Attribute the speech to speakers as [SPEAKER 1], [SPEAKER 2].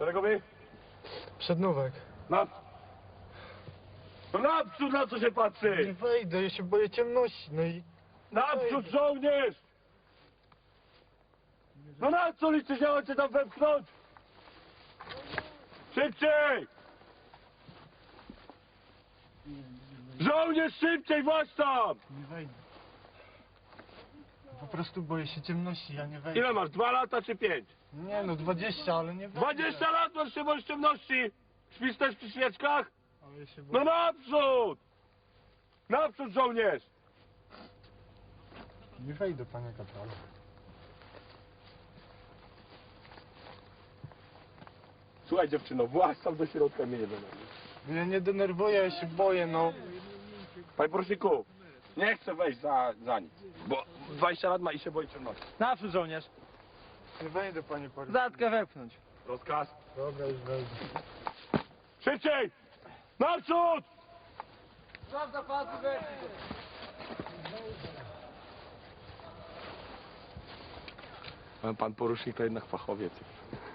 [SPEAKER 1] Szeregowy?
[SPEAKER 2] Przednówek.
[SPEAKER 1] No naprzód, na co się
[SPEAKER 2] Nie
[SPEAKER 1] patrzy?
[SPEAKER 2] wejdę, ja się boję ciemności, no i...
[SPEAKER 1] Naprzód, żołnierz! No na co liczysz, ja chcę tam wepchnąć? Szybciej! Żołnierz, szybciej, właśnie tam!
[SPEAKER 2] Nie wejdę. Po prostu boję się ciemności, ja nie wejdę.
[SPEAKER 1] Ile masz, 2 lata czy 5?
[SPEAKER 2] Nie no, 20, ale nie wejdę.
[SPEAKER 1] 20 lat masz się boisz ciemności! Śpisz też przy świeczkach?
[SPEAKER 2] Ale ja się
[SPEAKER 1] No
[SPEAKER 2] boję.
[SPEAKER 1] naprzód! Naprzód, żołnierz!
[SPEAKER 2] Nie wejdę, panie kapralu.
[SPEAKER 1] Słuchaj dziewczyno, właź tam do środka, mnie nie denerwuj.
[SPEAKER 2] Ja nie denerwuję, ja się boję, no.
[SPEAKER 1] Panie poruczniku, nie chcę wejść za nic, bo 20 lat ma i się boi ciemności.
[SPEAKER 3] Naprzód, żołnierz.
[SPEAKER 2] Nie wejdę, panie poruczniku.
[SPEAKER 3] Zatkę wepchnąć.
[SPEAKER 1] Rozkaz.
[SPEAKER 2] Dobra, już wejdę.
[SPEAKER 1] Szybciej! Naprzód!
[SPEAKER 3] Prawda, padł,
[SPEAKER 1] Pan porucznik to jednak fachowiec.